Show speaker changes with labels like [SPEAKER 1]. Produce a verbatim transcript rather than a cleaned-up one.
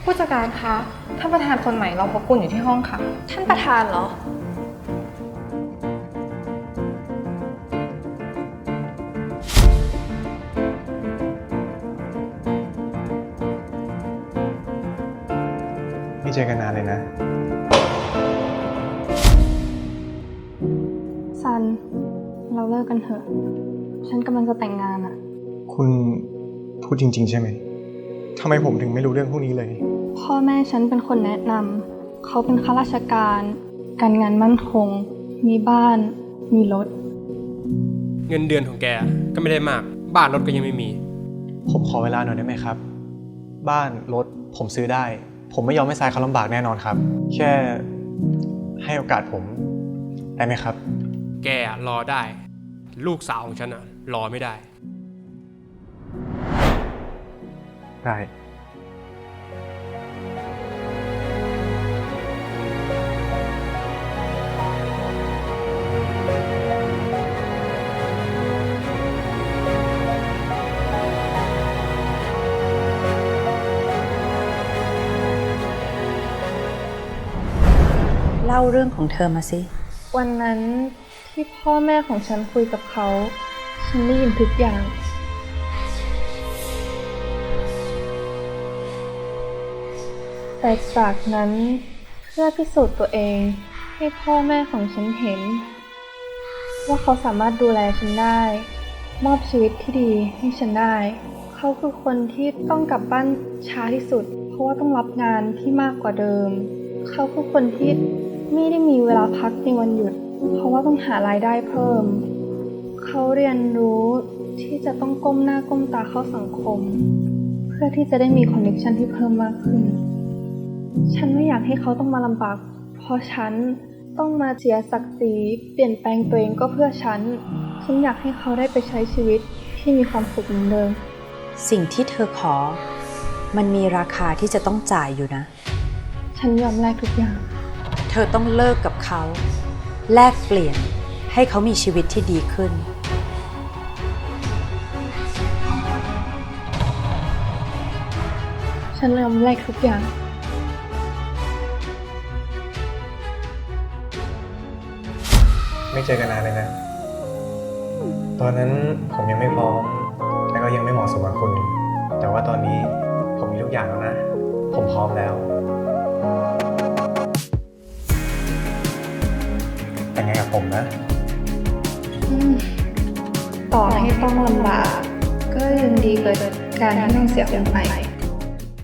[SPEAKER 1] ผู้จัดการคะท่านประธานคนใหม่เราพบคุณอยู่ที่ห้องค่ะ
[SPEAKER 2] ท่านประธานเหรอ
[SPEAKER 3] ไม่เจอกันนานเลยนะ
[SPEAKER 1] ซันเราเลิกกันเถอะฉันกำลังจะแต่งงานอะ
[SPEAKER 3] คุณพูดจริงๆใช่ไหมทำไมผมถึงไม่รู้เรื่องพวกนี้เลย
[SPEAKER 1] พ่อแม่ฉันเป็นคนแนะนำเขาเป็นข้าราชการการงานมั่นคงมีบ้านมีรถ
[SPEAKER 4] เงินเดือนของแกก็ไม่ได้มากบ้านรถก็ยังไม่มี
[SPEAKER 3] ผมขอเวลาหน่อยได้ไหมครับบ้านรถผมซื้อได้ผมไม่ยอมให้ทรายเขาลำบากแน่นอนครับแค่ให้โอกาสผมได้ไหมครับ
[SPEAKER 4] แกรอได้ลูกสาวของฉันอะรอไม่ได้
[SPEAKER 3] ได้
[SPEAKER 5] เล่าเรื่องของเธอมาสิ
[SPEAKER 1] วันนั้นที่พ่อแม่ของฉันคุยกับเขาฉันได้ยินทุกอย่างแต่จากนั้นเพื่อพิสูจน์ตัวเองให้พ่อแม่ของฉันเห็นว่าเขาสามารถดูแลฉันได้มอบชีวิตที่ดีให้ฉันได้เขาคือคนที่ต้องกลับบ้านช้าที่สุดเพราะว่าต้องรับงานที่มากกว่าเดิมเขาคือคนที่ไม่ได้มีเวลาพักในวันหยุดเพราะว่าต้องหารายได้เพิ่มเขาเรียนรู้ที่จะต้องก้มหน้าก้มตาเข้าสังคมเพื่อที่จะได้มีคอนเนคชั่นที่เพิ่มมากขึ้นฉันไม่อยากให้เขาต้องมาลำบากเพราะฉันต้องมาเสียศักดิ์ศรีเปลี่ยนแปลงตัวเองก็เพื่อฉันฉันอยากให้เขาได้ไปใช้ชีวิตที่มีความสุขเหมือนเดิม
[SPEAKER 5] สิ่งที่เธอขอมันมีราคาที่จะต้องจ่ายอยู่นะ
[SPEAKER 1] ฉันยอมแลกทุกอย่าง
[SPEAKER 5] เธอต้องเลิกกับเขาแลกเปลี่ยนให้เขามีชีวิตที่ดีขึ้น
[SPEAKER 1] ฉันยอมแลกทุกอย่าง
[SPEAKER 3] ไม่เจอกันนานเลยนะตอนนั้นผมยังไม่พร้อมและก็ยังไม่เหมาะสมกับคุณแต่ว่าตอนนี้ผมมีทุกอย่างแล้วนะผมพร้อมแล้วแต่งงานกับผมนะ
[SPEAKER 1] ต่อให้ต้องลำบากก็ยังดีกว่าการที่ต้องเสียคนไป